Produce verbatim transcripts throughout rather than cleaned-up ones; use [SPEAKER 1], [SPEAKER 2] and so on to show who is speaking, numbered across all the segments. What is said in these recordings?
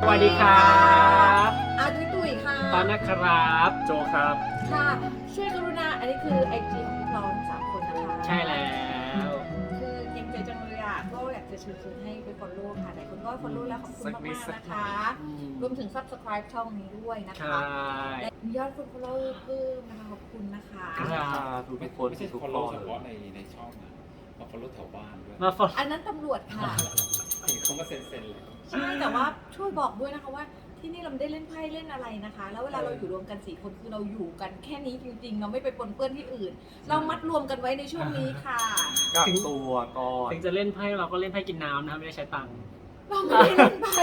[SPEAKER 1] วัสดีครับ
[SPEAKER 2] อาทิตย์ตุยค่ะ
[SPEAKER 1] ตอนนะครับโจครับ
[SPEAKER 2] ค่ะช่วยกรุณาอันนี้คือไอจีของเราสามคนนะคะ
[SPEAKER 1] ใช่แล้ว
[SPEAKER 2] คือเก่งใจจังเลยอ่ะก็อยากจะเชิญชวนให้ไป follow ค่ะหลายคนก็ follow แล้วขอบคุณมากๆนะคะรวมถึง subscribe ช่องนี้ด้วยนะคะและยอดคน follow เพิ่มนะคะขอบคุณนะคะ
[SPEAKER 3] ทุกคนไม่ใช่ follow เฉพาะในในช่องนะมา follow แถวบ้านด้วย
[SPEAKER 1] มา follow
[SPEAKER 2] อันนั้นตำรวจค่ะ
[SPEAKER 3] เห็นเขามาเซ็นเซ็นเลย
[SPEAKER 2] ใช่แต่ว่าช่วยบอกด้วยนะคะว่าที่นี่เราไม่ได้เล่นไพ่เล่นอะไรนะคะแล้วเวลาเราอยู่รวมกันสี่คนคือเราอยู่กันแค่นี้จริงๆเราไม่ไปปนเปื้อนที่อื่นเรามัดรวมกันไว้ในช่วงนี้ค่ะ
[SPEAKER 3] กักตัวก่อน
[SPEAKER 1] ถึงจะเล่นไพ่เราก็เล่นไพ่กินน้ำนะครับไม่ได้ใช้ตังค์
[SPEAKER 2] เราไม่ได้เล่นไพ่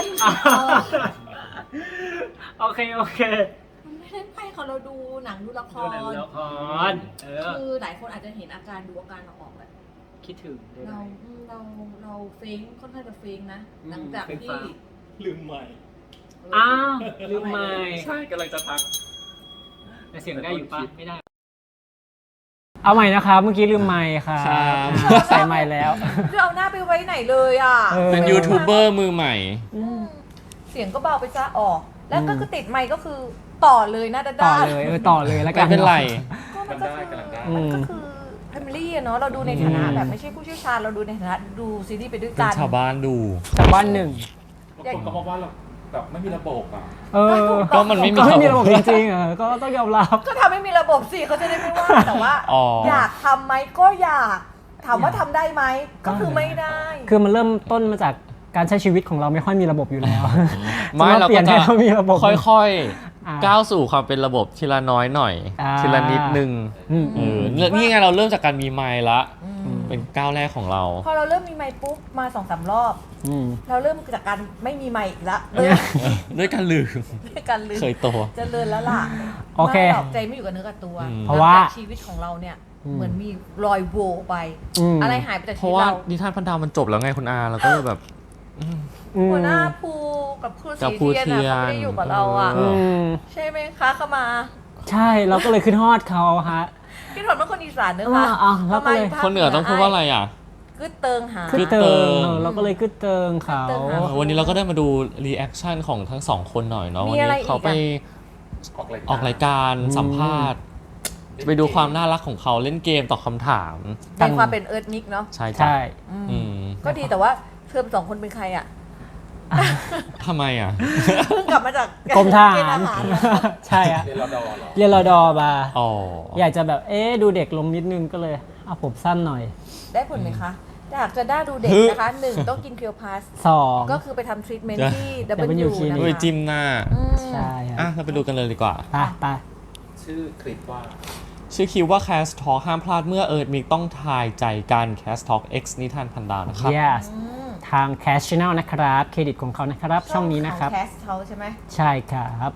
[SPEAKER 1] โอเคโอเค
[SPEAKER 2] เราไม่เล่นไพ่ค่ะเราดูหนังดูละคร
[SPEAKER 1] ดูละคร
[SPEAKER 2] คือหลายคนอาจจะเห็นอาการดูอาการเราออกแหละ
[SPEAKER 1] คิดถึง
[SPEAKER 2] เราเราเราเฟ้งค่อนข้างจะเฟ้งนะหลังจากที่
[SPEAKER 3] ลืมใหม่
[SPEAKER 1] อ้าวลืมใหม่
[SPEAKER 3] ใช่กำลังจะทัก
[SPEAKER 1] แต่เสียงได้อยู่ปะไม่ได้เอาใหม่นะครับเมื่อกี้ลืมไมค์ค่ะใส่ไมค์แล้ว
[SPEAKER 2] จะเอาหน้าไปไว้ไหนเลยอ่ะ
[SPEAKER 4] เป็นยูทูบเบอร์มือใหม่
[SPEAKER 2] เสียงก็เบาไปซะออกแล้วก็คือติดไมค์ก็คือต่อเลยนะด้า
[SPEAKER 1] ต่อเลยเออต่อเลยแล้วกัน
[SPEAKER 4] ไม่เป็นไร
[SPEAKER 2] ก็มันก็คือมันก็คือแฟมิลี่อะเนาะเราดูในฐานะแบบไม่ใช่ผู้เชี่ยวชาญเราดูในฐานะดูซีรีส์ไปด้วยกัน
[SPEAKER 4] ชาวบ้านดู
[SPEAKER 1] ชาวบ้านหนึ่ง
[SPEAKER 3] คนก็บอกว่าเราแบบไม่มีระบบอ่ะ
[SPEAKER 1] เออ
[SPEAKER 4] ก็มันไม่มี
[SPEAKER 1] ระบบจริงๆอ่ะก็ต้องยอมรับ
[SPEAKER 2] ก็ทำให้มีระบบสิเขาจะได้ไม่ว่าแต่ว่าอยากทำไหมก็อยากถามว่าทำได้ไหมก็คือไม่ได้
[SPEAKER 1] คือมันเริ่มต้นมาจากการใช้ชีวิตของเราไม่ค่อยมีระบบอยู่แล้ว
[SPEAKER 4] ไม่เราก็จะค่อยๆก้าวสู่ความเป็นระบบทีละน้อยหน่อยทีละนิดนึงนี่ไงเราเริ่มจากการมีไมค์ละเป็นก้าวแรกของเรา
[SPEAKER 2] พอเราเริ่มมีไมค์ปุ๊บมาสองสามรอบเราเริ่มจากการไม่มีไมค์อีกละ
[SPEAKER 4] ด้วยการลืม
[SPEAKER 2] ด้วยการลืม
[SPEAKER 4] เคยโต
[SPEAKER 2] จะเลินแล้วล่ะ
[SPEAKER 1] โอเค
[SPEAKER 2] ใจไม่อยู่กับเนื้อกับตัว
[SPEAKER 1] เพราะว่า
[SPEAKER 2] ชีวิตของเราเนี่ยเหมือนมีรอยโหว่ไปอะไรหายไปจากชีวิตเรา
[SPEAKER 4] เพราะว่านิทานพันดาวมันจบแล้วไงคุณอาเราก็แบบ
[SPEAKER 2] หัวหน้าภูกับครูศรีเทียนนะเขาไม่ได้อยู่กับเราอ่ะใช่ไหมคะเข้ามา
[SPEAKER 1] ใช่เราก็เลยขึ้นฮอดเขาฮะ
[SPEAKER 2] พี่ถอนเป็นคนอีสานเนอะคะ
[SPEAKER 1] เราก็เลย
[SPEAKER 4] คนเหนือต้องพูดว่าอะไรอ่ะ
[SPEAKER 2] กึดเติงหา
[SPEAKER 1] กึดเติงเราก็เลยกึดเติงเขา
[SPEAKER 4] วันนี้เราก็ได้มาดูรีแอคชั่นของทั้งสองคนหน่อยเนาะวันนี้เขาไปออกรายการสัมภาษณ์ไปดูความน่ารักของเขาเล่นเกมตอบคำถาม
[SPEAKER 2] ในความเป็นเอิร์ธมิกเนาะ
[SPEAKER 4] ใช่
[SPEAKER 1] ใช่
[SPEAKER 2] ก็ดีแต่ว่าเธอสองคนเป็นใครอ่ะ
[SPEAKER 4] ทำไมอ่ะ
[SPEAKER 2] เพิ่งกลับมาจาก
[SPEAKER 1] กรมทหารใช่อะ
[SPEAKER 3] เรียนรอดอ
[SPEAKER 1] เรียนรอดอมา
[SPEAKER 4] อย
[SPEAKER 1] ากจะแบบเอ๊ะดูเด็กลงนิดนึงก็เลยเอาผมสั้นหน่อย
[SPEAKER 2] ได้ผลไหมคะอยากจะได้ดูเด็กนะคะหนึ่งต้องกินเคียวพาส
[SPEAKER 1] สอง
[SPEAKER 2] ก็คือไปทำทรีทเมนต์ที่ ดับเบิลยู นะคะ
[SPEAKER 4] ด้วยจิ้มหน้า
[SPEAKER 1] ใช่
[SPEAKER 4] อ่ะเราไปดูกันเลยดีกว่า
[SPEAKER 1] ไปไป
[SPEAKER 3] ชื่อคลิปว่า
[SPEAKER 4] ชื่อคิวว่า Cast Talk ห้ามพลาดเมื่อเอิร์ธมิกต้องทายใจกัน Cast Talk X นิทานพันดาวนะครับ
[SPEAKER 1] yes ทาง Cast Channel นะครับเครดิตของเขานะครับช่องนี้นะครับ
[SPEAKER 2] Cast เขาใช่ไหม
[SPEAKER 1] ใช่ครับ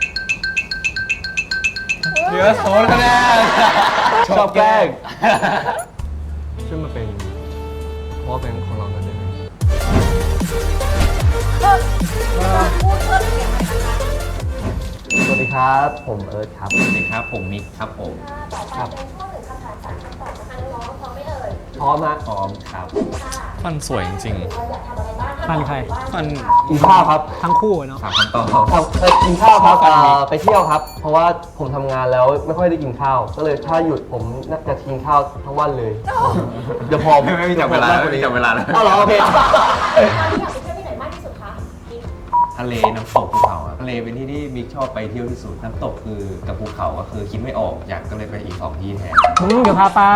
[SPEAKER 3] เหลือโซนคะแนนชอบแกล้ง
[SPEAKER 5] ช่วยมาเป็นพอแบงค์ของเรากันได้ไหมสวัสดีครับผมเอิร์ธครับ
[SPEAKER 4] สวัสดีครับผมมิกครับผม
[SPEAKER 5] ครับพร้อมฮะ
[SPEAKER 4] พร้อมครับฟันสวยจริง
[SPEAKER 1] ๆฟันใคร
[SPEAKER 4] ฟัน
[SPEAKER 5] กินข้าวครับ
[SPEAKER 1] ทั้งคู่เนาะ
[SPEAKER 4] ครับฟันต่อ
[SPEAKER 5] กินข้าวครับไปเที่ยวครับเพราะว่าผมทำงานแล้วไม่ค่อยได้กินข้าวก็เลยถ้าหยุดผมน่าจะกินข้าวทั้งวันเลยเดี๋ยวพอ
[SPEAKER 4] ไม่มีจับเวลาไม่มีจับเวลาแล้ว
[SPEAKER 5] เอาเหรอโอเค
[SPEAKER 6] ทะเลน้ำตกภูเขาทะเลเป็นที่ที่บิ๊กชอบไปเที่ยวที่สุดน้ำตกคือกับภูเขาก็คือคิดไม่ออกอยากก็เลยไปอีกสองที่แทน
[SPEAKER 1] เดี๋ยวพาไป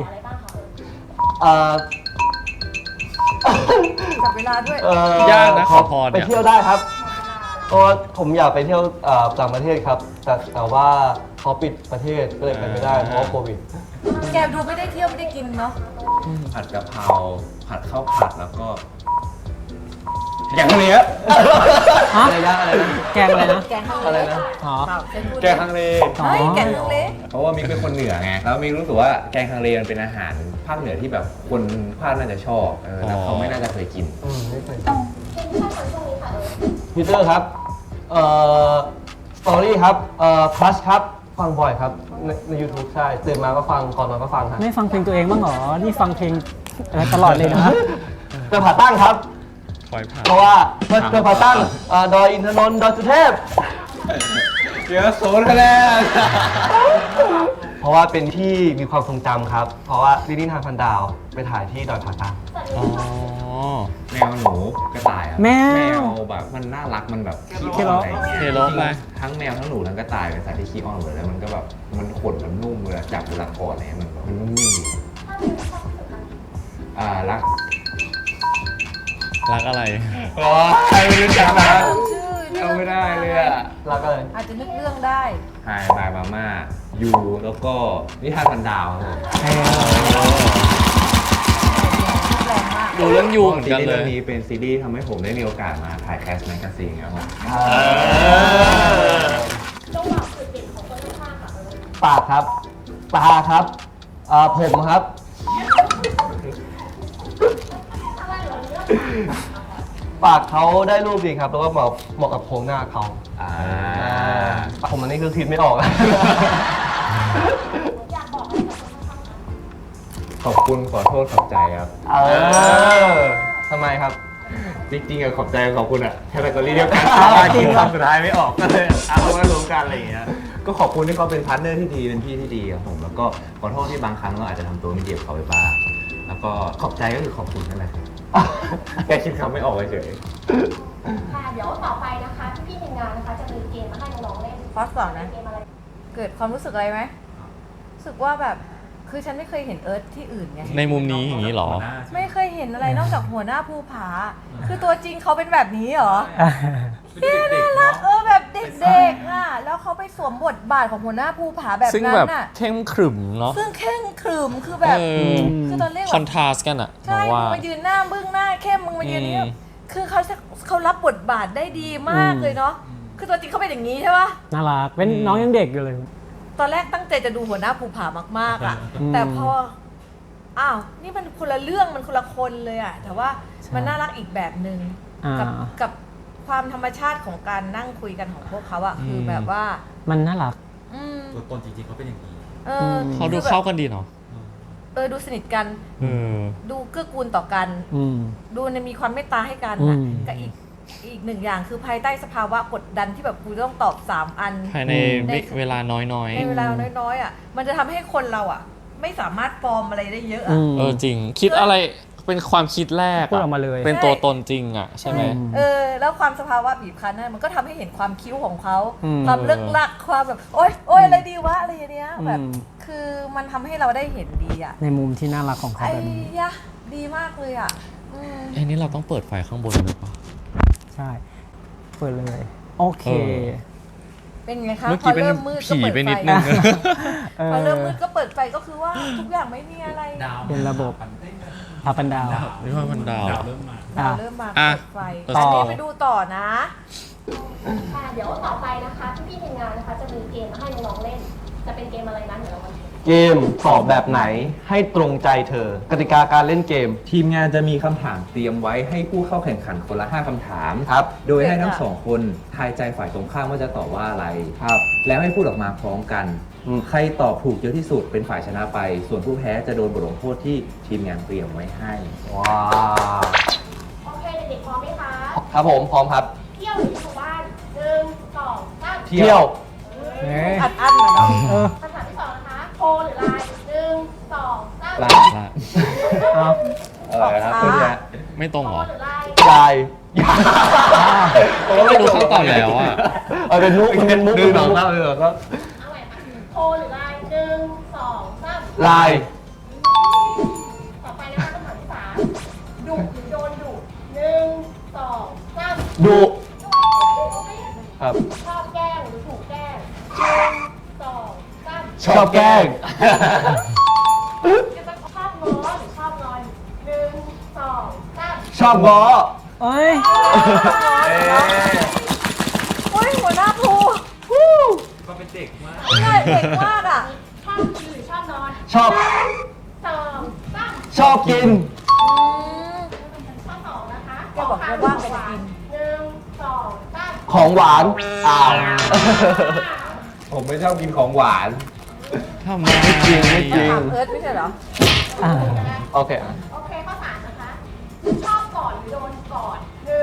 [SPEAKER 2] จับเวลาด้วย
[SPEAKER 4] ยากนะขอพร
[SPEAKER 5] ไปเที่ยวได้ครับเพราะผมอยากไปเที่ยวต่างประเทศครับแต่แต่ว่าเขาปิดประเทศก็เลยไปไม่ได้เพราะโควิด
[SPEAKER 2] แกดูไม่ได้เที่ยวไม่ได้กินเนาะ
[SPEAKER 6] ผัดกะเพราผัดข้าวผัดแล้วก็
[SPEAKER 5] อย่างนี้อะไรนะอะไรนะ
[SPEAKER 1] แกงอะไรนะ
[SPEAKER 2] แกง
[SPEAKER 5] อะไรนะ
[SPEAKER 1] อ๋อ
[SPEAKER 5] แกงฮังเล
[SPEAKER 2] แกงฮังเล
[SPEAKER 6] เพราะว่ามิกเป็นคนเหนือไงแล้วมิกรู้สึกว่าแกงฮังเลมันเป็นอาหารภาคเหนือที่แบบคนภาคน่าจะชอบแล้วเขาไม่น่าจะเคยกิน
[SPEAKER 5] ไม่เคยพีเตอร์ครับเอ่อสตอรี่ครับเอ่อคลัชครับฟังบ่อยครับในใน YouTube ใช่ตื่นมาก็ฟังก่อนนอนก็ฟังครับ
[SPEAKER 1] ไม่ฟังเพลงตัวเองบ้างเหรอนี่ฟังเพลงอะไรตลอดเลยนะ
[SPEAKER 5] จะผ่าตั้งครับ
[SPEAKER 4] พอยผ่าน
[SPEAKER 5] เพราะว่าเพื่อเพื่อพาตั้งเอ่อดอยอินทนนท์ดอยสุเทพ
[SPEAKER 6] เดี๋ยวโซนคะแนน
[SPEAKER 5] เพราะว่าเป็นที่มีความทรงจำครับ เพราะว่าลิลลี่ทานพันดาวไปถ่ายที่ดอยผาตั้ง
[SPEAKER 4] อ๋อ
[SPEAKER 6] แมวหนูกระต่ายอะ
[SPEAKER 1] แมว
[SPEAKER 6] แมวแบบมันน่ารักมันแบบขี้
[SPEAKER 1] เค
[SPEAKER 6] อ้
[SPEAKER 1] โล
[SPEAKER 6] อนอะไรอย่างเงี้ย
[SPEAKER 4] เคโลไป
[SPEAKER 6] ทั้งแมวทั้งหนูทั้งกระต่ายเป็นสัตว์ที่ขี้อ้อนหมดเลยแล้วมันก็แบบมันขนมันนุ่มเวลาจับเวลากอดอะไรเงี้ยมันมันนุ่มนิ่มดีอ่ารัก
[SPEAKER 4] รักอะไร
[SPEAKER 6] อ๋อใครไม่รู้จักนะ
[SPEAKER 2] ชื่อเรื่
[SPEAKER 6] เอาไม่ได้เลยอะ
[SPEAKER 5] แล้วก็เลย
[SPEAKER 2] อาจจะนึกเรื่องได้
[SPEAKER 6] ไฮบายมาม่ายูแล้วก็นิทานพันดาวครับผม
[SPEAKER 2] แรงมาก
[SPEAKER 4] ดูเรื่องยูเหมือนกัน
[SPEAKER 6] ซีรีส์
[SPEAKER 4] เล
[SPEAKER 6] เรื่
[SPEAKER 4] ย
[SPEAKER 6] องนี้เป็นซีรีส์ทำให้ผมได้มีโอกาสมาถ่ายแคสแมกกาซีนครับผม
[SPEAKER 5] ปากครับ ตาครับเอ่อผมครับ ปากเขาได้รูปดีครับ แล้วก็เหมาะเหมาะกับโครงหน้าเขา
[SPEAKER 6] อ่า
[SPEAKER 5] ผมอันนี้คือคิดไม่ออกแล้ว
[SPEAKER 6] ขอบคุณขอโทษขอบใจครับ
[SPEAKER 5] เออทำไมครับ
[SPEAKER 6] จริงๆอะขอบใจขอบคุณอะแคตตากรีเดียวกัน
[SPEAKER 5] อ้าว
[SPEAKER 6] คิดคำสุดท้ายไม่ออกก็เลยเอามารวมกันอะไรอย่างเงี้ยก็ขอบคุณที่เขาเป็นพาร์ทเนอร์ที่ดีเป็นพี่ที่ดีครับผมแล้วก็ขอโทษที่บางครั้งเราอาจจะทำตัวไม่ดีกับเขาไปบ้างแล้วก็ขอบใจก็คือขอบคุณนั่นแหละครับแกคิดคำไม่ออกเฉย
[SPEAKER 7] ค่ะเดี๋ยวต่อไปนะคะพี่ๆทีมงานนะคะจะมีเกมมาให้น้องๆเล่น
[SPEAKER 2] ฟอสก่อนนะ
[SPEAKER 7] เกมอะไร
[SPEAKER 2] เกิดความรู้สึกอะไรไหมรู้สึกว่าแบบ คือฉันไม่เคยเห็นเอิร์ธที่อื่นไง
[SPEAKER 4] ในมุมนี้อย่างนี้เหรอ
[SPEAKER 2] ไม่เคยเห็นอะไรนอกจากหัวหน้าภูผา คือตัวจริงเขาเป็นแบบนี้เหรอเฮ้ยน่ารักเออแบบเด็กๆอ่ะ แล้วเขาไปสวมบทบาทของหัวหน้าภูผาแบบ
[SPEAKER 4] ซึ่ง
[SPEAKER 2] นั้
[SPEAKER 4] แบบ
[SPEAKER 2] นอ่ะ
[SPEAKER 4] เข้มขรึมเนาะ
[SPEAKER 2] ซึ่งเข่งขรึมคือแบบ
[SPEAKER 4] เออ
[SPEAKER 2] คือตอนแรก
[SPEAKER 4] ค
[SPEAKER 2] แบ
[SPEAKER 4] อน
[SPEAKER 2] บ
[SPEAKER 4] ทราสต์กันอะผ
[SPEAKER 2] ใช่
[SPEAKER 4] ม
[SPEAKER 2] มึ
[SPEAKER 4] ว่า
[SPEAKER 2] งมายืนหน้าบึ้งหน้าเข้มมึงมายืนนี่
[SPEAKER 4] อืม
[SPEAKER 2] คือเขาจะเขารับบทบาทได้ดีมากเลยเนาะ คือตัวจริงเขาเป็นอย่างนี้ใช่ปะ
[SPEAKER 1] น่ารัก เป็นน้องยังเด็กอยู่เลย
[SPEAKER 2] ตอนแรกตั้งใจจะดูหัวหน้าภูผามากๆอ่ะ
[SPEAKER 1] อืม
[SPEAKER 2] แต่พอ อ้าว นี่มันคนละเรื่องมันคนละคนเลยอ่ะ แต่ว่ามันน่ารักอีกแบบหนึ่ง
[SPEAKER 1] อ่า
[SPEAKER 2] กับกับความธรรมชาติของการนั่งคุยกันของพวกเขาอ่ะ คือแบบว่า
[SPEAKER 1] มันน่ารัก
[SPEAKER 2] อืม
[SPEAKER 3] ตัวตนจริงๆเขาเป็นอย่างนี้
[SPEAKER 2] เออ
[SPEAKER 4] เขาดู
[SPEAKER 2] คือแบบ
[SPEAKER 4] เข้ากันดีเนาะ
[SPEAKER 2] เออ ดูสนิทกัน
[SPEAKER 4] เออ
[SPEAKER 2] ดูเกื้อกูลต่อกัน
[SPEAKER 1] อืม
[SPEAKER 2] ดูเนี่ยมีความเมตตาให้กันอ่ะ
[SPEAKER 1] อืม
[SPEAKER 2] กับอีกอีกหนึ่งอย่างคือภายใต้สภาวะกดดันที่แบบกูต้องตอบสามอัน
[SPEAKER 4] ภายใน
[SPEAKER 2] ใน
[SPEAKER 4] เวลาน้อย
[SPEAKER 2] ในเวลาน้อยๆอ่ะ มันจะทำให้คนเราอ่ะ ไม่สามารถฟอร์มอะไรได้เยอะอ่ะ
[SPEAKER 1] อืม
[SPEAKER 4] ๆ เออจริง คิดอะไรเป็นความคิดแรก
[SPEAKER 1] พูดออกมาเลย
[SPEAKER 4] เป็นตัวตนจริงอะใช่ไหม
[SPEAKER 2] เออ แล้วความสภาวะบีบคั้นนั่นมันก็ทำให้เห็นความคิ้วของเขา
[SPEAKER 1] อืม
[SPEAKER 2] ความเลิกลักความแบบ โอ๊ยโอ๊ยอะไรดีวะอะไรอย่างเนี้ยแบบ
[SPEAKER 1] อืม
[SPEAKER 2] คือมันทำให้เราได้เห็นดีอ่ะ
[SPEAKER 1] ในมุมที่น่ารักของเขา
[SPEAKER 2] ไอ้
[SPEAKER 1] แบบนี้
[SPEAKER 2] ยะดีมากเลยอ่ะอืม
[SPEAKER 4] ไอ้นี่เราต้องเปิดไฟข้างบนเลยปะ
[SPEAKER 1] ใช่ เปิดเลย โอเค
[SPEAKER 4] เออ
[SPEAKER 2] เป็นไงคะ
[SPEAKER 4] เมื่อ
[SPEAKER 2] พ
[SPEAKER 4] กี้
[SPEAKER 2] อ
[SPEAKER 4] เป็น
[SPEAKER 2] เริ่มมืดก็
[SPEAKER 4] ผี
[SPEAKER 2] เปิด
[SPEAKER 4] ไป
[SPEAKER 2] ไฟ
[SPEAKER 4] นิดนึง
[SPEAKER 1] เออ
[SPEAKER 2] พอเริ่มมืดก็เปิดไฟก็คือว่าทุกอย่างไม่มีอะไร
[SPEAKER 3] ดาว
[SPEAKER 1] เป็นระบบ พาปันดาว
[SPEAKER 4] นี่ว่ามันดาว
[SPEAKER 3] ดาวเริ่มมา
[SPEAKER 2] เราเริ่มมา
[SPEAKER 4] อ่ะ
[SPEAKER 2] เปิดไฟ
[SPEAKER 1] ต่ออั
[SPEAKER 2] อันนี้ไปดูต่อนะ
[SPEAKER 7] ค่ะเดี๋ยวต่อไปนะคะพี่ๆทีมงานนะคะจะมีเกมมาให้น้องๆเล่น จะเป็นเกมอะไรนั้นเดี๋ยวเรามาดู
[SPEAKER 5] เกมตอบแบบไหนให้ตรงใจเธอ กติกาการเล่นเกม
[SPEAKER 6] ๆทีมงานจะมีคำถามเตรียมไว้ให้ผู้เข้าแข่งขันคนละห้าคำถาม
[SPEAKER 5] ครับ
[SPEAKER 6] โดยให้ทั้งสองคนทายใจฝ่ายตรงข้ามว่าจะตอบว่าอะไรครับ แล้วให้พูดออกมาพร้อมกัน
[SPEAKER 5] อืม
[SPEAKER 6] ใครตอบถูกเยอะที่สุดเป็นฝ่ายชนะไป ส่วนผู้แพ้จะโดนบทลงโทษที่ทีมงานเตรียมไว้ให้
[SPEAKER 5] ว้าว
[SPEAKER 7] โอเคเด็กๆพร้อมไหมคะ
[SPEAKER 5] ครับผมพร้อมครับ
[SPEAKER 7] เที่ยวหรืออยู่บ้านหนึ่งสองสาม
[SPEAKER 5] เที่ยว
[SPEAKER 1] เอ๊ะ
[SPEAKER 2] อัดอั้นมาเนาะ
[SPEAKER 1] เออ
[SPEAKER 7] คำถามที่สองนะคะโทรหรือไลน์หนึ่งสองสาม
[SPEAKER 6] ลา
[SPEAKER 4] ละ
[SPEAKER 1] เอา
[SPEAKER 6] อะไรครับเพื่อนเนี่ย
[SPEAKER 4] ไม่ตรง
[SPEAKER 7] โท
[SPEAKER 4] เห
[SPEAKER 7] ร
[SPEAKER 4] รอ
[SPEAKER 7] หรือไลน์
[SPEAKER 5] ยายยาย
[SPEAKER 4] ก็ไม่รู้ขั้นตอนแล้วอะ
[SPEAKER 5] เอาเป็นมุกเป็นมุก
[SPEAKER 6] หนึ่งสองสามเลยเหรอครับ
[SPEAKER 7] เอาใหม่ค่ะโทรหรือไลน์หนึ่งสองสาม
[SPEAKER 5] ลาย
[SPEAKER 7] ต่อไปนะคะคำถามที่สามดุหรือโดนดุหนึ่งสองสาม
[SPEAKER 5] ดุ ครับ
[SPEAKER 7] ชอบแกล้งหรือถูกแกล้งหนึ่งสองสาม
[SPEAKER 5] ชอบแกล้ง
[SPEAKER 7] จะชอบง้อหรือชอบงอนหนึ่งสองสาม
[SPEAKER 5] ชอบง้อ
[SPEAKER 1] เอ้ย
[SPEAKER 2] โอ้ยหัวหน้าภู
[SPEAKER 3] ก็เป็นเด็กมาก
[SPEAKER 2] ใช่เด็กมากอ่ะ
[SPEAKER 7] ชอบกินหรือชอบนอน
[SPEAKER 5] ชอบ
[SPEAKER 7] หนึ่งสองสาม
[SPEAKER 5] ชอบกิน
[SPEAKER 7] ข้อสองนะคะ
[SPEAKER 2] แกบอกว่าว่างไปจะกิน
[SPEAKER 7] หนึ่งสองสาม
[SPEAKER 5] ของหวาน อ้าว
[SPEAKER 6] ผมไม่ชอบกินของหวาน
[SPEAKER 4] ทำไม
[SPEAKER 5] ไม่จริงไม่จริง
[SPEAKER 2] ถามเอิร์ธไม่ใช่เหรอ
[SPEAKER 1] อ่า
[SPEAKER 5] โอเค
[SPEAKER 7] โอเคข้อสามนะคะ ชอบกอดหรือโดนกอดหนึ่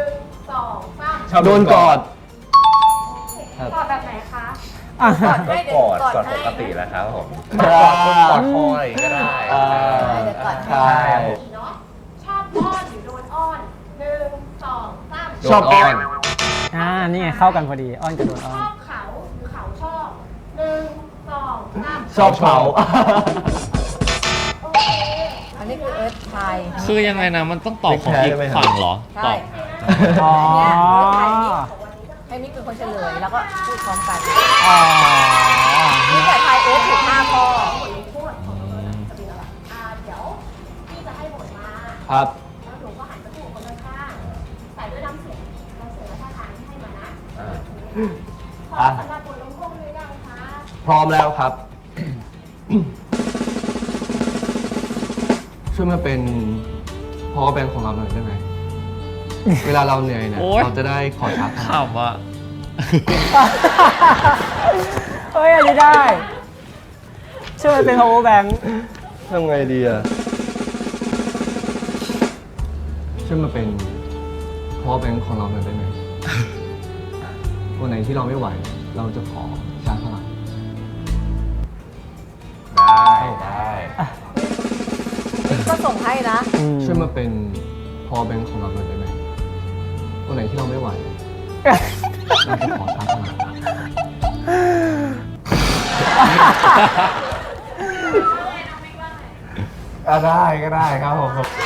[SPEAKER 6] ชอบ
[SPEAKER 5] โดนกอด ครับ
[SPEAKER 7] กอดแบบไหนคะ
[SPEAKER 1] อ่ะ
[SPEAKER 2] กอดให้เดี๋ยว
[SPEAKER 6] กอด
[SPEAKER 2] กอด
[SPEAKER 6] กอด
[SPEAKER 2] ให้
[SPEAKER 6] ปกติแล้วครับผม
[SPEAKER 5] อ่า
[SPEAKER 6] กอดคออะไรก็ได้
[SPEAKER 5] อ่า
[SPEAKER 2] เดี๋ยวกอดให้
[SPEAKER 5] ใช่
[SPEAKER 7] เนาะชอบอ้อนหรือโดนอ้อนหนึ่งสองสาม
[SPEAKER 5] ชอบอ้อน
[SPEAKER 1] อ่านี่ไงเข้ากันพอดีอ้อนกับโดนอ้อ
[SPEAKER 7] ช
[SPEAKER 1] น
[SPEAKER 7] อบเขาหรือเขาชอบหนึ่งสองสาม
[SPEAKER 5] ชอบเผา
[SPEAKER 7] โอเค
[SPEAKER 2] อันนี้คือเอิร์ธไทย
[SPEAKER 4] คือยังไงนะ มันต้องตอบของอีกฝั่งเหรอ
[SPEAKER 2] ใช่
[SPEAKER 4] ตอบ
[SPEAKER 1] อ๋อ
[SPEAKER 2] เนี่ยเอิร์ธไทยนี่ให้มิกเป็นคนเฉลยแล้วก็พูดพร้อมกัน
[SPEAKER 1] อ๋อ
[SPEAKER 2] มิกแต่ไทยเอิร์ธถูกห้าข้อ
[SPEAKER 7] พูดจะเป็นอะไรอ่าเดี๋ยวพี่จะให้บทมา
[SPEAKER 5] ครับ
[SPEAKER 7] แล้วหนูก็หันไปพูดกับคนข้างๆใส่ด้วยน้ำเสียงน้ำเสียงและท่าทางที่ให้มานะพร้อมสำหรับบทลงโทษหรือยังคะ
[SPEAKER 5] พร้อมแล้วครับ ช่วยมาเป็นพอแบงค์ของเราหน่อยได้ไหม เวลาเราเหนื่อยเนี่ย
[SPEAKER 4] โอ๊ย
[SPEAKER 5] เราจะได้ขอชาร์จพลัง
[SPEAKER 4] ขำอ่ะ
[SPEAKER 1] เฮ้ยอันนี้ได้ช่วยเป็น power bank
[SPEAKER 5] ทำไงดีอ่ะ ช่วยมาเป็นพอแบงค์ของเราหน่อยได้ไหม วันไหนที่เราไม่ไหว เราจะขอชาร์จพลัง
[SPEAKER 6] ได้ได้
[SPEAKER 2] มิกก็ส่งให้นะ
[SPEAKER 1] อืม
[SPEAKER 5] ช่วยมาเป็นพอแบงค์ของเราหน่อยได้ไหม วันไหนที่เราไม่ไหว เราจะขอชาร์จพลัง
[SPEAKER 6] อ่ะได้ก็ได้ครับผม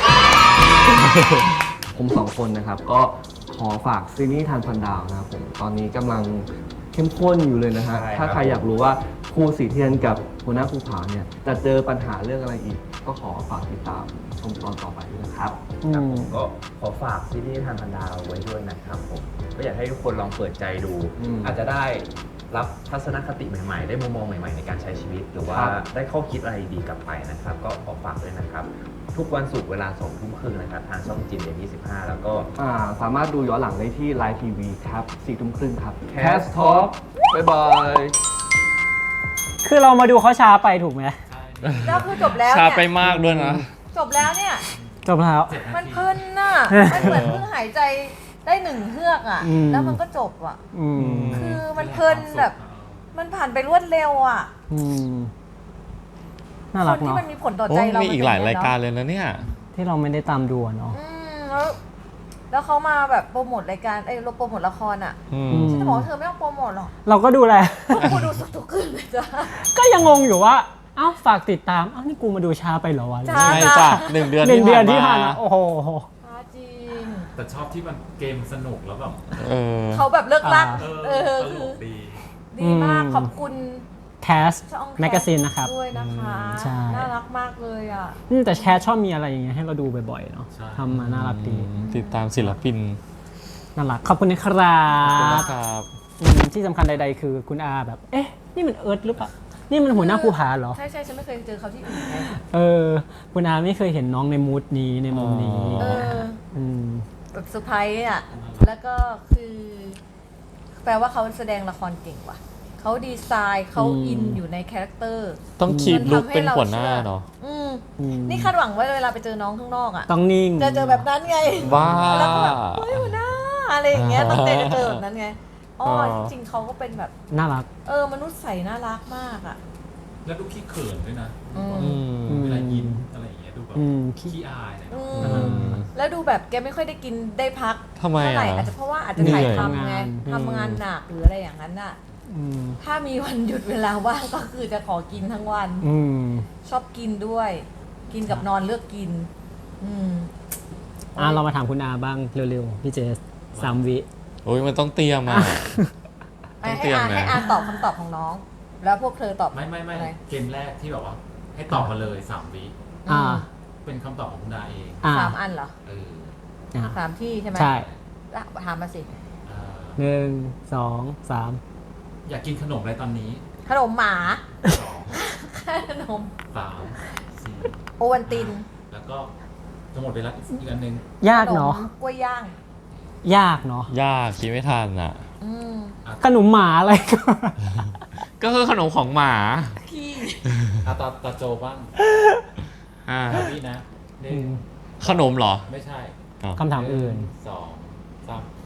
[SPEAKER 5] ผมสองคนนะครับ ก็ขอฝากซีรีส์ทานพันดาวนะครับผมตอนนี้กำลังเข้มข้นอยู่เลยนะฮะ
[SPEAKER 6] ใช่ครับ
[SPEAKER 5] ถ้าใครอยากรู้ว่าครูสีเทียนกับหัวหน้าครูผาเนี่ยจะเจอปัญหาเรื่องอะไรอีก ก็ขอฝากติดตามชมตอนต่อไปด้วยนะครับ
[SPEAKER 1] อืม
[SPEAKER 6] ก็ขอฝากซีรีส์ทานพันดาวไว้ด้วยนะครับผมก็อยากให้ทุกคนลองเปิดใจดู
[SPEAKER 5] อืม
[SPEAKER 6] อาจจะได้รับทัศนคติใหม่ๆ ได้มุมมองใหม่ๆในการใช้ชีวิต หรือว่า
[SPEAKER 5] ครับ
[SPEAKER 6] ได้ข้อคิดอะไรดีกลับไปนะครับ ก็ขอฝากด้วยนะครับ ทุกวันศุกร์เวลาสองทุ่มครึ่งนะครับ ทางช่องจิมเอ็มยี่สิบห้าแล้วก็
[SPEAKER 5] อ่าสามารถดูย้อนหลังได้ที่ไลน์ทีวีครับสี่ทุ่มครึ่งครับ
[SPEAKER 6] Cast
[SPEAKER 5] Talk บ๊ายบาย
[SPEAKER 1] คือเรามาดูเขาช้าไปถูกไหม
[SPEAKER 2] แล้วคือจบแล้ว
[SPEAKER 4] ช้า
[SPEAKER 2] เนี่ย
[SPEAKER 4] ไปมากด้วยนะ
[SPEAKER 2] จบแล้วเนี่ย
[SPEAKER 1] จบแล้ว
[SPEAKER 2] มันเพลินน่ะ มันเหมือนเพิ่งหายใจได้หนึ่งเฮือกอ่ะ
[SPEAKER 1] อืม
[SPEAKER 2] แล้วมันก็จบอ่ะ
[SPEAKER 1] อืม
[SPEAKER 2] คือมันเพลินแบบ มันผ่านไปรวดเร็วอ่ะ
[SPEAKER 1] อืมน่า
[SPEAKER 2] ค
[SPEAKER 1] รัก
[SPEAKER 2] นที่
[SPEAKER 1] เนาะ
[SPEAKER 2] มันมีผลต่อ
[SPEAKER 4] โอ้
[SPEAKER 2] ใจเรา
[SPEAKER 4] มี
[SPEAKER 2] มี
[SPEAKER 4] อีกหลายรายการเลยนะเนี่ย
[SPEAKER 1] ที่เราไม่ได้ตามดูอะเนาะ
[SPEAKER 2] อืมแล้วแล้วเขามาแบบโปรโมทรายการเอ้ยโปรโมทละครอ่ะ
[SPEAKER 4] อืม
[SPEAKER 1] อืม
[SPEAKER 2] ฉันจะบอกว่าเธอไม่ต้องโปรโมทหรอก
[SPEAKER 1] เราก็ดูแล
[SPEAKER 2] กูดูสุกทุกคืนเลยจ้ะ
[SPEAKER 1] ก็ยังงงอยู่ว่า เอ้าฝากติดตาม เอ้านี่กูมาดูช้าไปเหรอวะ
[SPEAKER 2] จ้า
[SPEAKER 4] ใช่จ้ะหนึ่งเดือน
[SPEAKER 1] หนึ่งเดือนที่
[SPEAKER 4] ที่
[SPEAKER 1] ผ่า
[SPEAKER 4] ผ่าน น
[SPEAKER 1] มา
[SPEAKER 4] มา
[SPEAKER 1] โอ้โห
[SPEAKER 2] อ่าจริง
[SPEAKER 3] แต่ชอบที่มันเกมสนุกแล้วแบบ
[SPEAKER 4] เออ
[SPEAKER 2] เขาแบบเลิกลัก
[SPEAKER 1] อ่า
[SPEAKER 3] เออ
[SPEAKER 2] เออ
[SPEAKER 3] ตล
[SPEAKER 2] คือก
[SPEAKER 3] ดี
[SPEAKER 2] ดีมาก
[SPEAKER 1] อืม
[SPEAKER 2] ขอบคุณ
[SPEAKER 1] แคส
[SPEAKER 2] ช่อง
[SPEAKER 1] แมกกาซีนนะครับ
[SPEAKER 2] ด้วยนะคะ
[SPEAKER 1] ใช่
[SPEAKER 2] น่ารักมากเลยอ่ะ
[SPEAKER 1] อืมแต่แคสชอบมีอะไรอย่างเงี้ยให้เราดูบ่อยๆเนาะ
[SPEAKER 3] ใช่
[SPEAKER 1] ทำมาน่ารักดี
[SPEAKER 4] ติดตามศิลปิน
[SPEAKER 1] น่ารัก ขอบคุณนะครับ
[SPEAKER 4] ขอบคุณนะครับ
[SPEAKER 1] อืมที่สำคัญใดๆคือคุณอาแบบ เอ๊ะ นี่มันเอิร์ธหรือเปล่า นี่มันหัวหน้าภูผาเหรอ
[SPEAKER 2] ใช่ใช่ฉันไม่เคยเจอเขาที่อื่นไง
[SPEAKER 1] เออ คุณอาไม่เคยเห็นน้องในมูดนี้ในมุมนี้
[SPEAKER 2] เออ
[SPEAKER 1] อืม
[SPEAKER 2] แบบเซอร์ไพรส์อ่ะ แล้วก็คือ แปลว่าเขาแสดงละครเก่งว่ะ เขาดีไซน์เขา
[SPEAKER 1] อืม
[SPEAKER 2] อินอยู่ในคาแรคเตอร์
[SPEAKER 4] ต้องคีบ
[SPEAKER 2] มัน
[SPEAKER 4] ลุก
[SPEAKER 2] ทำให้
[SPEAKER 4] เป็น
[SPEAKER 2] เรา
[SPEAKER 4] หัวหน้า
[SPEAKER 2] เชื่อ
[SPEAKER 4] เนาะ
[SPEAKER 2] อืม
[SPEAKER 1] อืม
[SPEAKER 2] นี่คาดหวังไว้เวลาไปเจอน้องข้างนอกอ่ะ
[SPEAKER 1] ต้องนิ่ง
[SPEAKER 2] จะเจอแบบนั้นไง
[SPEAKER 4] บ้า
[SPEAKER 2] แล้วก็แบบเฮ้ยหัวหน้าอะไรอย่างเงี้ย
[SPEAKER 4] อ่า
[SPEAKER 2] ตั้งใจจะเจอแบบนั้นไงอ๋อ
[SPEAKER 4] อ๋อ
[SPEAKER 2] จริงๆเขาก็เป็นแบบ
[SPEAKER 1] น่ารัก
[SPEAKER 2] เออ มนุษย์ใสน่ารักมากอ่ะ
[SPEAKER 3] แล้วดูขี้เขินด้วยนะ
[SPEAKER 2] อืม
[SPEAKER 4] อืม
[SPEAKER 3] เวลายิ้มอะไรอย่างเงี้ยดูแบบ
[SPEAKER 1] อืม
[SPEAKER 3] ขี้อายอะไร
[SPEAKER 2] อื
[SPEAKER 3] แบบ
[SPEAKER 2] ม แล้วดูแบบแกไม่ค่อยได้กินได้พัก
[SPEAKER 4] ทำไม
[SPEAKER 2] เท่าไหร่
[SPEAKER 4] อ่ะ
[SPEAKER 2] อาจจะเพราะว่าอาจจะถ่าย
[SPEAKER 4] เหนื่อย
[SPEAKER 2] ทำไง
[SPEAKER 1] อืม
[SPEAKER 2] ทำงานหนักหรืออะไรอย่างนั้นน่ะ
[SPEAKER 1] อืม
[SPEAKER 2] ถ้ามีวันหยุดเวลาว่างก็คือจะขอกินทั้งวัน
[SPEAKER 1] อืม
[SPEAKER 2] ชอบกินด้วย กินกับนอนเลือกกิน อืม
[SPEAKER 1] อ่ะเรามาถามคุณอาบ้างเร็วๆ พี่เจสสามวิ
[SPEAKER 4] โอ้ยมันต้องเตรียมอ่ะ
[SPEAKER 2] ให้
[SPEAKER 4] ต้องเตรียม
[SPEAKER 2] อา
[SPEAKER 4] นะ
[SPEAKER 2] ให้อาตอบคำตอบของน้อง แล้วพวกเธอตอบ
[SPEAKER 3] ไม่ไม่ไม่
[SPEAKER 2] อะไร
[SPEAKER 3] เกมแรกที่แบบว่า ให้ตอบมาเลยสามวิ
[SPEAKER 1] อ่า
[SPEAKER 3] เป็นคำตอบของคุณดาเอง
[SPEAKER 1] อ่า
[SPEAKER 2] สามอันเหรอ
[SPEAKER 3] เออ
[SPEAKER 1] อ่า
[SPEAKER 2] สามที่ใช่ไหม
[SPEAKER 1] ใช่
[SPEAKER 2] อ่ะถามมาสิ
[SPEAKER 3] เอ่อ
[SPEAKER 1] หนึ่งสองสาม
[SPEAKER 3] อยากกินขนมอะไรตอนนี้
[SPEAKER 2] ขนมหมา
[SPEAKER 3] สอง
[SPEAKER 2] ขนม
[SPEAKER 3] สามสี่
[SPEAKER 2] โอวันติน
[SPEAKER 3] แล้วก็จะหมดเวลาอีกอันหนึ่ง
[SPEAKER 1] ยาก
[SPEAKER 2] ขน
[SPEAKER 1] เนาะ
[SPEAKER 2] มกล้วยย่าง
[SPEAKER 1] ยากเนาะ
[SPEAKER 4] ยากคิดไม่ทันอ่ะ
[SPEAKER 2] อืม
[SPEAKER 1] ขนมหมาอะไรก็
[SPEAKER 4] ก็คือขนมของหมา
[SPEAKER 2] ขี้
[SPEAKER 3] อาตาตาโจบ้าง
[SPEAKER 4] อ่า
[SPEAKER 3] แบบนี้นะหนึ่ง
[SPEAKER 4] ขนมเหรอ
[SPEAKER 3] ไม่ใช่
[SPEAKER 4] อ้าว
[SPEAKER 1] คำถามอื่น
[SPEAKER 3] หงสองสาม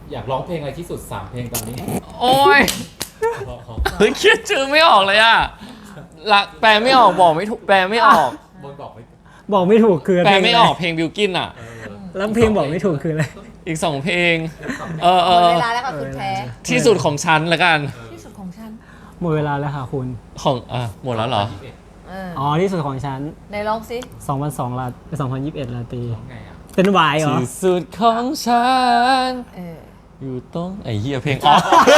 [SPEAKER 3] อยากร้องเพลงอะไรที่สุดสามเพลงตอนนี้
[SPEAKER 4] โอ้ยเฮ้ยคิดชื่อไม่ออกเลยอะละแปลไม่ออกบอกไม่ถูกแปลไม่ออก
[SPEAKER 3] บนบอกไม่
[SPEAKER 1] บอกไม่ถูกคือ
[SPEAKER 4] แปล
[SPEAKER 1] เพลง
[SPEAKER 4] ไม่ออกเพลงบิวกินอะ
[SPEAKER 1] แล้วเพลงบอกไม่ถูกคืออะไร
[SPEAKER 4] อีกสองเพลง เออ
[SPEAKER 2] ห
[SPEAKER 4] เอ
[SPEAKER 2] มด
[SPEAKER 4] อ
[SPEAKER 2] เวลาแล้วค่ะคุณแท้
[SPEAKER 4] ที่สุดของฉันละกัน
[SPEAKER 2] ที่สุดของฉัน
[SPEAKER 1] หมดเวลาแล้วค่ะคุณ
[SPEAKER 4] ของอ่ะหมดแล้วเหรอ
[SPEAKER 2] เออ
[SPEAKER 1] อ๋อที่สุดของฉัน
[SPEAKER 2] ในร้องสิ
[SPEAKER 1] สองพันสองลาสองพันยี่สิบเอ็ดลาตรี
[SPEAKER 3] ร้องไงอ่ะ
[SPEAKER 1] เป็นวายเหรอ
[SPEAKER 4] ที่สุดของฉัน
[SPEAKER 2] เออ
[SPEAKER 4] อยู่ตรงไอ้เหี้ยเพลงอ๋อ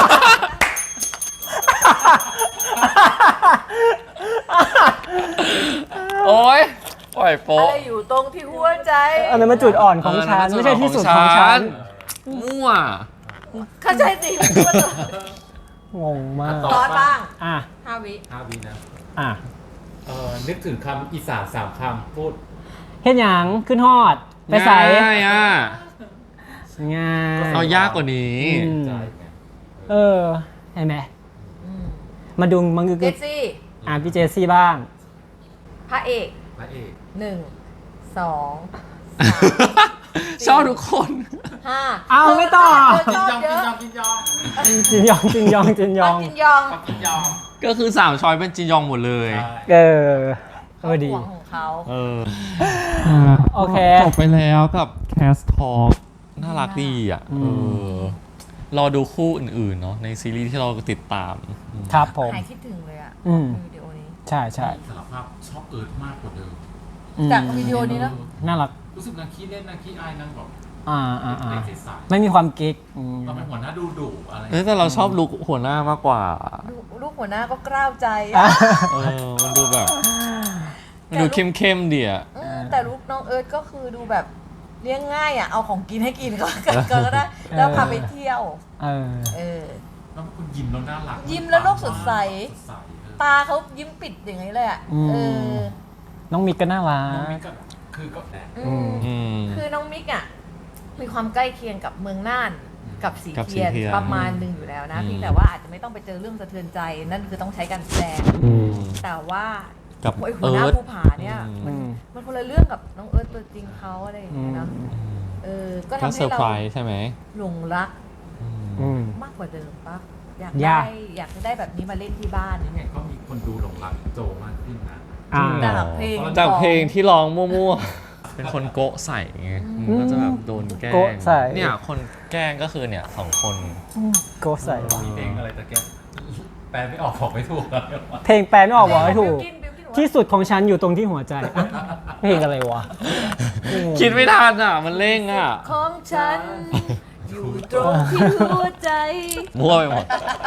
[SPEAKER 4] โอ้ยปล่อย
[SPEAKER 2] อะ
[SPEAKER 4] โป๊ะ
[SPEAKER 2] ไรอยู่ตรงที่หัวใจ
[SPEAKER 1] อันนั้นมันจุดอ่อนของฉัน
[SPEAKER 4] เออ
[SPEAKER 1] ไม่ใช่ที่สุดของฉัน
[SPEAKER 4] มั่ว
[SPEAKER 2] เข้าใจสิพูดเลย
[SPEAKER 1] งงมาก
[SPEAKER 2] ตอนบ้าง
[SPEAKER 1] อ่ะ
[SPEAKER 2] ห้าวิ
[SPEAKER 3] ห้าวินะ
[SPEAKER 1] อ่ะ
[SPEAKER 3] เออนึกถึงคำอีสานสามคำพูด
[SPEAKER 1] เฮ็ดหยังขึ้นฮอด ไปใส่
[SPEAKER 4] ง่ายอ่ะ
[SPEAKER 1] ง่าย
[SPEAKER 4] เอายากกว่านี้
[SPEAKER 1] อืม
[SPEAKER 3] ใจไง
[SPEAKER 1] เออเห็นไหม
[SPEAKER 2] อืม
[SPEAKER 1] มาดูมังกร
[SPEAKER 2] เจสซี่
[SPEAKER 1] อ่ะพี่เจสซี่บ้าง
[SPEAKER 2] พระเอก
[SPEAKER 3] พระเอก
[SPEAKER 2] หนึ่งสองสาม
[SPEAKER 4] ชอบทุกคน
[SPEAKER 2] ห้า
[SPEAKER 1] เอาไม่ต่อ
[SPEAKER 2] เธอ
[SPEAKER 3] กิ
[SPEAKER 2] ช
[SPEAKER 3] น
[SPEAKER 2] อบ
[SPEAKER 3] ยอง
[SPEAKER 2] เย
[SPEAKER 3] กิน
[SPEAKER 2] อะ
[SPEAKER 3] ยองกินยอง
[SPEAKER 1] จินยองจินยองจินยอง
[SPEAKER 2] ปักจินยอง
[SPEAKER 3] ปักกินยอง
[SPEAKER 4] ก็คือสามช้อยเป็นจียองหมดเลย
[SPEAKER 3] ใช่
[SPEAKER 1] เออเออดี
[SPEAKER 2] ห่วงของเขา
[SPEAKER 4] เออ
[SPEAKER 1] โอเค
[SPEAKER 4] จบไปแล้วกับ Cast Talk น่ารักดีอ่ะ
[SPEAKER 1] อื
[SPEAKER 4] เอ
[SPEAKER 1] ม
[SPEAKER 4] อ รอดูคู่อื่นๆเนาะในซีรีส์ที่เราติดตาม
[SPEAKER 1] ครับผม
[SPEAKER 2] หายคิดถึงเลยอ่ะ
[SPEAKER 1] อืม
[SPEAKER 2] วิดีโอนี้
[SPEAKER 1] ใช่ใช่
[SPEAKER 3] สารภาพชอบเอิร์ธมากกว่าเดิม
[SPEAKER 1] อืม
[SPEAKER 2] จากวิดีโอนี้แล้ว
[SPEAKER 1] น่ารัก
[SPEAKER 3] รู้สึกนางขี้เล่นนางขี้อายนางแบบ
[SPEAKER 1] อ่าอ่าอ่า
[SPEAKER 3] เด็กใส
[SPEAKER 1] ไม่มีความกิ๊กอืม
[SPEAKER 3] ๆเราเป็นหัวหน้าดูดุอะไร
[SPEAKER 4] เอ้ยแต่เราชอบลุคหัวหน้ามากกว่า
[SPEAKER 2] ลูกลูกหัวหน้าก็กล้าวใจ
[SPEAKER 1] อ่ะ
[SPEAKER 2] อะ
[SPEAKER 4] เออ มันดูแบบ มันดูเข้มๆดีอ่ะ
[SPEAKER 2] เออแต่ลูกน้องเอิร์ธก็คือดูแบบเลี้ยงง่ายอ่ะ เอาของกินให้กินก็ก็ได้แล้วพาไปเที่ยว
[SPEAKER 1] เออ
[SPEAKER 2] เออ
[SPEAKER 3] แล้วคุณยิ้มแล้วน่ารัก
[SPEAKER 2] ยิ้มแล้วโลกสดใส
[SPEAKER 3] สดใสเออ
[SPEAKER 2] ตาเขายิ้มปิดอย่างนี้เลยอ่ะ
[SPEAKER 1] อืม
[SPEAKER 2] เออ
[SPEAKER 1] น้องมิกก็น่ารั
[SPEAKER 3] น้องมิ
[SPEAKER 1] ก
[SPEAKER 3] กก็คือก็แหละ
[SPEAKER 2] อืม
[SPEAKER 4] อืม
[SPEAKER 2] คือน้องมิกอ่ะมีความใกล้เคียงกับเมืองน่านกับสี
[SPEAKER 4] กับสี
[SPEAKER 2] เทียน
[SPEAKER 4] เทียน
[SPEAKER 2] ประมาณหนึ่งอยู่แล้วนะ
[SPEAKER 4] อืม
[SPEAKER 2] เพียงแต่ว่าอาจจะไม่ต้องไปเจอเรื่องสะเทือนใจ นั่นคือต้องใช้การแสดง
[SPEAKER 1] อืม
[SPEAKER 2] แต่ว่า
[SPEAKER 4] กับ
[SPEAKER 2] ไอ้หัว
[SPEAKER 4] เอิ
[SPEAKER 2] หน้า
[SPEAKER 4] ร์ธ
[SPEAKER 2] ภูผาเนี่ย
[SPEAKER 1] อืม
[SPEAKER 2] มันคนละเรื่องกับน้องเอิร์ธตัวจริงเขาอะไรอย่าง
[SPEAKER 1] อื
[SPEAKER 2] เงี้ย
[SPEAKER 1] ม
[SPEAKER 2] เนาะเออก็
[SPEAKER 4] ก็
[SPEAKER 2] ทำ
[SPEAKER 4] เซ
[SPEAKER 2] ให้
[SPEAKER 4] อร์
[SPEAKER 2] เรา
[SPEAKER 4] ไพรส์ใช่ไหม
[SPEAKER 2] หลงรัก
[SPEAKER 1] อืม
[SPEAKER 2] มากกว่าเดิมปะอยาก
[SPEAKER 1] ยา
[SPEAKER 2] ได้
[SPEAKER 1] ก
[SPEAKER 2] อยากจะได้แบบนี้มาเล่นที่บ้าน
[SPEAKER 3] ยังไงก็มีคนดูหลงรักโจมากขึ้นนะ
[SPEAKER 1] อ่า
[SPEAKER 2] จากเพลง
[SPEAKER 4] จาก
[SPEAKER 2] ของ
[SPEAKER 4] เพลงที่ร้องมั่วๆ เป็นคนโกะใส่ไง
[SPEAKER 2] อืม
[SPEAKER 4] ก็จะแบบโดนแกล้ง
[SPEAKER 1] โกะใส่
[SPEAKER 4] เนี่ย คนแกล้งก็คือเนี่ยสองคน
[SPEAKER 1] โกใส่ว่ะ
[SPEAKER 3] มีเพลงอะไรตะแกแปลไม่ออกบอกไม่ถูกแล้ว
[SPEAKER 1] เพลงแปลไม่ออกบอกให้ถูก
[SPEAKER 2] บิวกิ้นบิวกิ้นบอกว่า
[SPEAKER 1] ที่สุดของฉันอยู่ตรงที่หัวใจอ่ะเพลงอะไรวะ
[SPEAKER 4] คิดไม่ทันอ่ะ มันเร่งอ่ะ
[SPEAKER 2] ของฉัน อยู่ตรงที่หัวใจ
[SPEAKER 4] มั่วไปหมด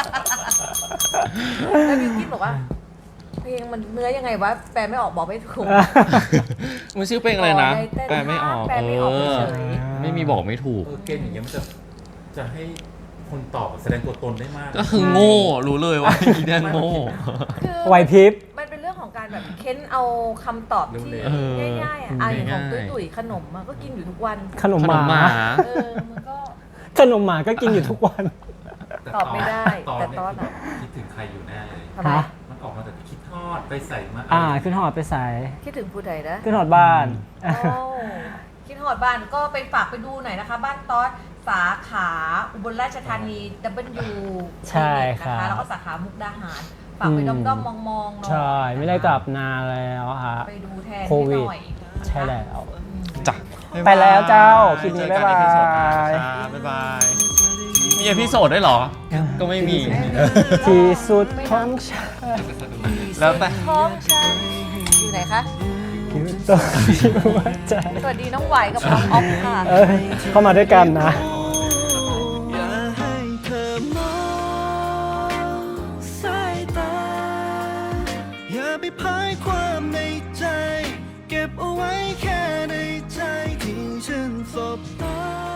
[SPEAKER 2] แล้วบิวกิ้นบอกว่า เพลงมันเนื้อยังไงวะแปลไม่ออกบอกไม่ถูก
[SPEAKER 4] มันชื่อเพลงอะไรนะ
[SPEAKER 2] ขอได้เต้น
[SPEAKER 4] แปลไม่ออก
[SPEAKER 2] แปลไม่ออก
[SPEAKER 4] เออ
[SPEAKER 2] เฉย
[SPEAKER 4] ไม่มีบอกไม่ถูก
[SPEAKER 3] เออเกมอย่างเงี้ยมันจะจะให้คนตอบแสดงตัวตนได้มาก
[SPEAKER 4] ก็คือโง่ รู้เลยว่าอีแดนโง่
[SPEAKER 2] คือ
[SPEAKER 1] ไหวพริบ
[SPEAKER 2] มันเป็นเรื่องของการแบบเค้นเอาคำตอบที่
[SPEAKER 4] เออ
[SPEAKER 2] ง่ายๆอ่ะอ่ะอย่างของ
[SPEAKER 4] ง่ายๆ
[SPEAKER 2] ตุ้ยๆขนมอะก็กินอยู่ทุกวัน
[SPEAKER 1] ขนม
[SPEAKER 4] ข
[SPEAKER 1] ห
[SPEAKER 4] นมห
[SPEAKER 1] มา
[SPEAKER 4] มา
[SPEAKER 2] เออ มันก็
[SPEAKER 1] ขนมหมาก็กินอยู่ทุกวัน
[SPEAKER 2] ตอบไม่ได้แต่ตอนอะ
[SPEAKER 3] คิดถึงใครอยู่แน่เลย
[SPEAKER 2] ทำไม
[SPEAKER 1] ฮะ
[SPEAKER 3] มันออกมาแต่คิดทอดไปใส่มา
[SPEAKER 1] อ่าขึ้นหอดไปใส่
[SPEAKER 2] คิดถึงผู้ใดนะ
[SPEAKER 1] ขึ้นหอดบ้าน
[SPEAKER 2] โอ้คิดหอดบ้านก็ไปฝากไปดูหน่อยนะคะ บ้านตอสสาขาอุบลราชธานี ดับเบิลยู
[SPEAKER 1] ใช่ครับ
[SPEAKER 2] นะคะแล้วก็สาขามุกดาหาร ฝากไปด้อมๆมองๆหน่อย
[SPEAKER 1] ใช่ ไม่ได้กลับนานแล้วฮะ
[SPEAKER 2] ไปดูแทน
[SPEAKER 1] โค
[SPEAKER 2] ให้
[SPEAKER 1] วิด
[SPEAKER 2] หน่อย
[SPEAKER 1] ใช่แล้ว
[SPEAKER 4] จ้ะ
[SPEAKER 1] ไปแล้วเจ้าคลิปนี้บ๊ายบาย
[SPEAKER 4] เจอกันในเอพิโซดหน้าครับบ๊ายบาย มีเอพิโซดด้วยเหรอ ก็ไม่มี
[SPEAKER 1] ที่สุดของฉัน
[SPEAKER 4] แล้วแต่
[SPEAKER 2] ท้องฉันอยู่ไหนคะ
[SPEAKER 1] อยู่ตรงที่หัวใจ
[SPEAKER 2] สวัสดีน้องไหวกับน้องออฟค่ะ
[SPEAKER 1] เออเข้ามาด้วยกันนะ
[SPEAKER 8] อย่าให้เธอมองสายตา อย่าไปพายความในใจ เก็บเอาไว้แค่ในใจที่ฉันสบตา